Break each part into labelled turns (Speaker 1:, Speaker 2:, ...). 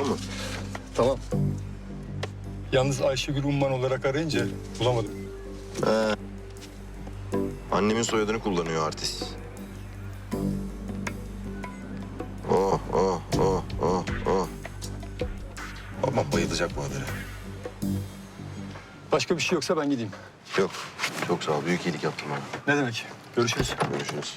Speaker 1: mı?
Speaker 2: Tamam. Yalnız Ayşegül Umman olarak arayınca bulamadım.
Speaker 1: Annemin soyadını kullanıyor artist. Oh, oh, oh, oh, oh. Babam bayılacak bu habere.
Speaker 2: Başka bir şey yoksa ben gideyim.
Speaker 1: Yok, çok sağ ol. Büyük iyilik yaptın bana.
Speaker 2: Ne demek? Görüşürüz.
Speaker 1: Görüşürüz.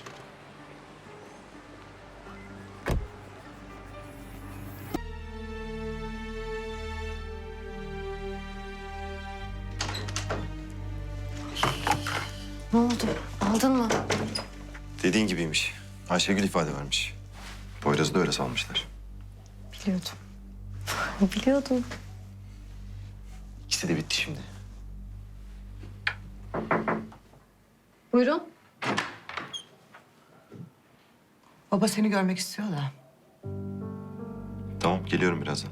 Speaker 3: Ne oldu? Aldın mı?
Speaker 1: Dediğin gibiymiş. Ayşegül ifade vermiş. Poyraz'ı da öyle salmışlar.
Speaker 3: Biliyordum. Biliyordum.
Speaker 1: İkisi de bitti şimdi.
Speaker 3: Buyurun.
Speaker 4: Baba seni görmek istiyor da.
Speaker 1: Tamam, geliyorum birazdan.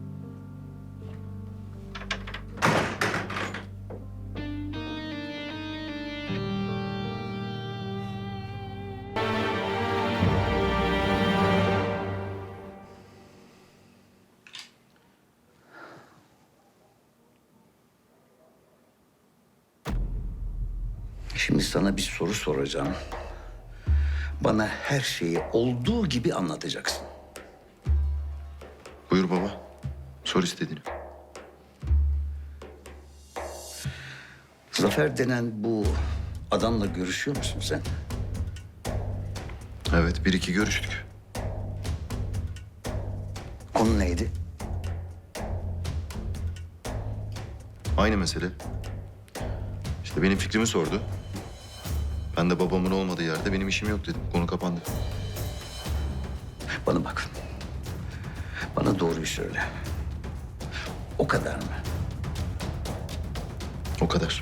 Speaker 5: Şimdi sana bir soru soracağım. Bana her şeyi olduğu gibi anlatacaksın.
Speaker 1: Buyur baba. Sor istediğini.
Speaker 5: Zafer denen bu adamla görüşüyor musun sen?
Speaker 1: Evet, bir iki görüştük.
Speaker 5: Konu neydi?
Speaker 1: Aynı mesele. İşte benim fikrimi sordu. Ben de babamın olmadığı yerde benim işim yok dedim. Konu kapandı.
Speaker 5: Bana bak. Bana doğruyu söyle. O kadar mı?
Speaker 1: O kadar.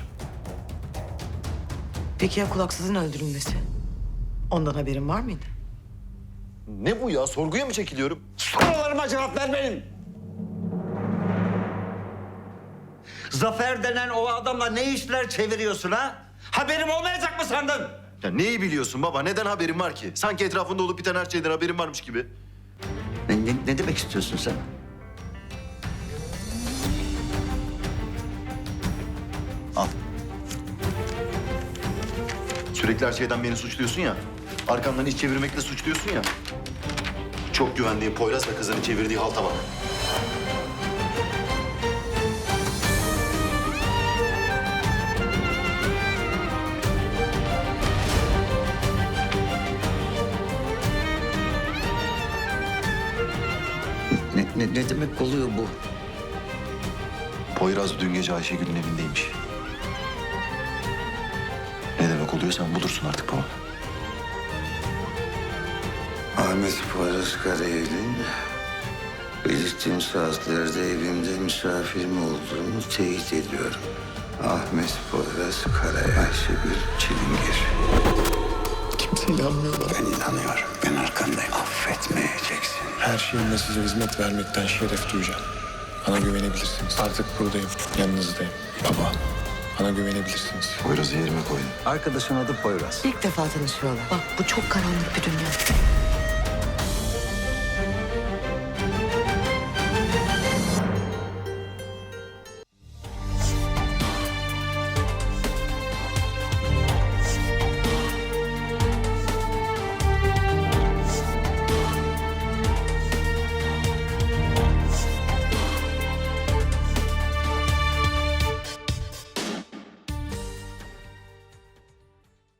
Speaker 4: Peki ya kulaksızın öldürülmesi? Ondan haberin var mıydı?
Speaker 1: Ne bu ya? Sorguya mı çekiliyorum?
Speaker 5: Sorularıma cevap vermeyin. Zafer denen o adamla ne işler çeviriyorsun ha? Haberim olmayacak mı sandın?
Speaker 1: Ya neyi biliyorsun baba? Neden haberin var ki? Sanki etrafında olup biten her şeyden haberin varmış gibi.
Speaker 5: Ne demek istiyorsun sen?
Speaker 1: Al. Sürekli her şeyden beni suçluyorsun ya. Arkandan iş çevirmekle suçluyorsun ya. Çok güvendiğin Poyraz ve kızını çevirdiği halta bak.
Speaker 5: Ne demek oluyor bu?
Speaker 1: Poyraz dün gece Ayşegül'ün evindeymiş. Ne demek oluyor sen bulursun artık baba.
Speaker 5: Ahmet Poyraz Karayel'in belirttiğim saatlerde evimde misafirim olduğunu teyit ediyorum. Ahmet Poyraz Karayel, Ayşegül Çilingir.
Speaker 6: Kimse inanmıyor bana.
Speaker 5: Ben inanıyorum. Ben arkandayım. Affetmeyeceksin.
Speaker 6: Her şeyimle size hizmet vermekten şeref duyacağım. Bana güvenebilirsiniz. Artık buradayım. Yanınızdayım. Baba, bana güvenebilirsiniz.
Speaker 1: Poyraz'ı yerime koydum.
Speaker 5: Arkadaşın adı Poyraz.
Speaker 4: İlk defa tanışıyorlar. Bak bu çok karanlık bir dünya.